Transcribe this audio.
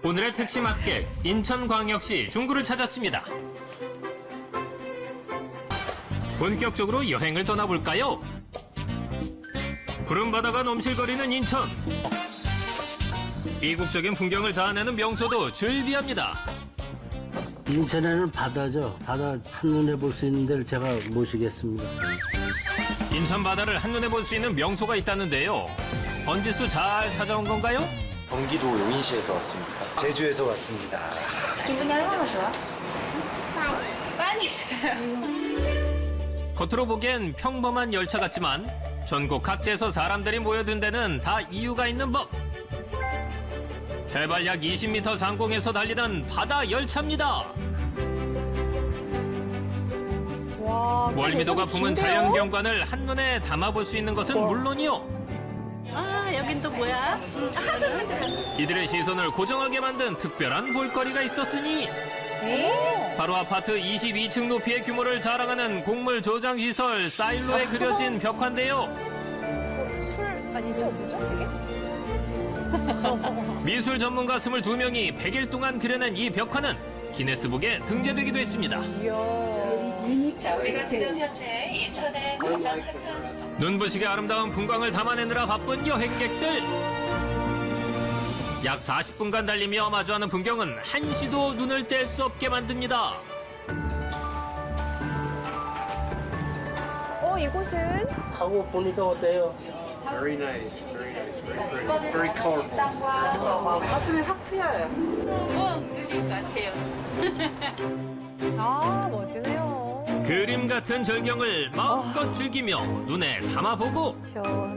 오늘의 택시 맛객 인천광역시 중구를 찾았습니다. 본격적으로 여행을 떠나볼까요? 푸른 바다가 넘실거리는 인천. 이국적인 풍경을 자아내는 명소도 즐비합니다. 인천에는 바다죠. 바다 한눈에 볼 수 있는 데를 제가 모시겠습니다. 인천 바다를 한눈에 볼 수 있는 명소가 있다는데요. 번지수 잘 찾아온 건가요? 경기도 용인시에서 왔습니다. 제주에서 왔습니다. 기분이 얼마나 좋아? 많이. 겉으로 보기엔 평범한 열차 같지만 전국 각지에서 사람들이 모여든 데는 다 이유가 있는 법. 해발 약 20m 상공에서 달리던 바다 열차입니다. 와, 멀미도가 품은 긴데요? 자연 경관을 한눈에 담아볼 수 있는 것은 물론이요. 아, 여긴 또 뭐야? 이들의 시선을 고정하게 만든 특별한 볼거리가 있었으니 바로 아파트 22층 높이의 규모를 자랑하는 곡물 저장 시설 사일로에 그려진 벽화인데요. 술 아니죠? 뭐죠 이게? 미술 전문가 22명이 100일 동안 그려낸 이 벽화는 기네스북에 등재되기도 했습니다. 이야. 자, 우리가 지금 현재 인천의 가장 핫한 눈부시게 아름다운 풍광을 담아내느라 바쁜 여행객들. 약 40분간 달리며 마주하는 풍경은 한시도 눈을 뗄 수 없게 만듭니다. 이곳은 하고 보니까 어때요? Very nice, very nice, very pretty, very colorful. 식당과 가슴이 확 트여요. 그릴 것 같아요. 멋지네요. 그림 같은 절경을 마음껏 즐기며 눈에 담아보고